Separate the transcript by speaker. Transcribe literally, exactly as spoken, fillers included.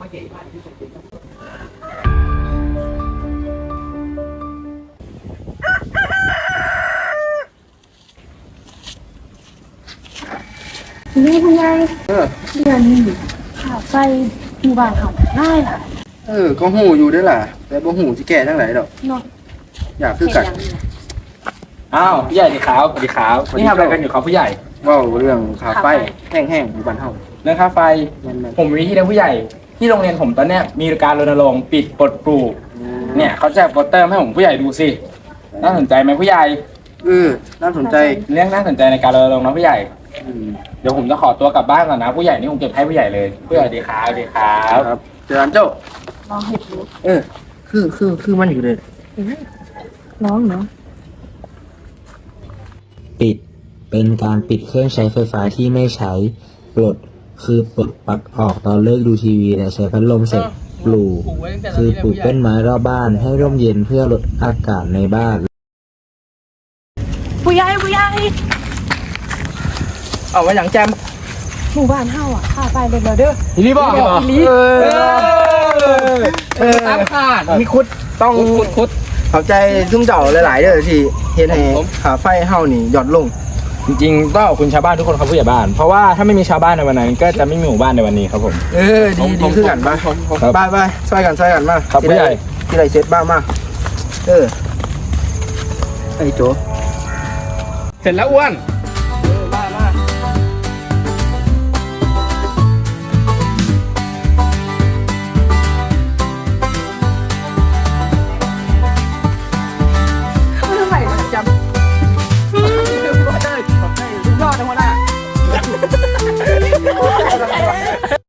Speaker 1: นี่คุณยาย
Speaker 2: เออ
Speaker 1: เดือนนี้ค่าไฟหมู่บ้านเขาได้ล่ะ
Speaker 2: เออก็หูอยู่ด้วยล่ะแต่บ่หูสิแก่ทั้งหลายดอก
Speaker 1: เนาะ
Speaker 2: อยากคือกัน
Speaker 3: อ้าวผู้ใหญ่ดีครับสวัสดีครับนี่ทำอะไรกันอยู่ครับผู้ใหญ่
Speaker 2: เว้าเรื่องค่าไฟแห้งๆอยู่บ้านเฮา
Speaker 3: เรื่องค่าไฟ
Speaker 2: แม่น
Speaker 3: ผมมีที่เรียนผู้ใหญ่ที่โรงเรียนผมตอนเนี้ยมีการรณรงค์ปิดปลดปลูก
Speaker 2: ๆ
Speaker 3: เนี่ยเขาแจกโปสเตอร์ให้ผมผู้ใหญ่ดูสิน่าสนใจไหมผู้ใหญ่
Speaker 2: เออน่าสนใจ
Speaker 3: เรื่องน่าสนใจในการรณรงค์นะผู้ใหญ่
Speaker 2: อืม
Speaker 3: เดี๋ยวผมจะขอตัวกลับบ้านก่อนนะผู้ใหญ่นี่ผมเก็บให้ผู้ใหญ่เลยผู้ใหญ่ดีครับดีครับ
Speaker 2: ครับเจอกันเจ้า
Speaker 1: ลองเห็ดดู
Speaker 2: เออ คือคือคือมันอยู่เลย
Speaker 1: น้องเนาะ
Speaker 4: ปิดเป็นการปิดเครื่องใช้ไฟฟ้าที่ไม่ใช้ปลดคือปลดปลั๊กออกตอนเลิกดูทีวีและใช้พัดลมเสร็จปลูกคือปลูกต้นไม้รอบบ้านให้ร่มเย็นเพื่อลดอากาศในบ้าน
Speaker 1: ผู้ใหญ่ผู้ใหญ่
Speaker 3: เอามาอย่างแจม
Speaker 1: หมู่บ้านเฮาอ่ะค่าไฟเด็ดแล้วเด้อ
Speaker 3: อีลีบอก
Speaker 1: อีหลี
Speaker 3: เออเออตามขาด
Speaker 2: มีคุดต้อง
Speaker 3: คุดคุด
Speaker 2: ขอบใจซุ่มเจ้าหลายๆเด้อที่เฮ็ดให้
Speaker 3: ผม
Speaker 2: ค่าไฟเฮานี่หย่อนลง
Speaker 3: จริงๆต้องขอบคุณชาวบ้านทุกคนครับผู้ใหญ่บ้าน เพราะว่าถ้าไม่มีชาวบ้านในวันนั้นก็จะไม่มีหมู่บ้านในวันนี้ครับผม
Speaker 2: เออดีดีคือกันป่ะ
Speaker 3: ครับ
Speaker 2: ไปไปช่วยกันช่วยกันมา
Speaker 3: ครับผู้ใหญ่
Speaker 2: ที่ไรเซ็ตบ้างมาเออไอ้โจ
Speaker 3: เสร็จแล้วอ้วน
Speaker 2: เออมามา
Speaker 1: ไม่ทำไมมันจำเรื่องรอดเลยยอดจังหวะน่ะ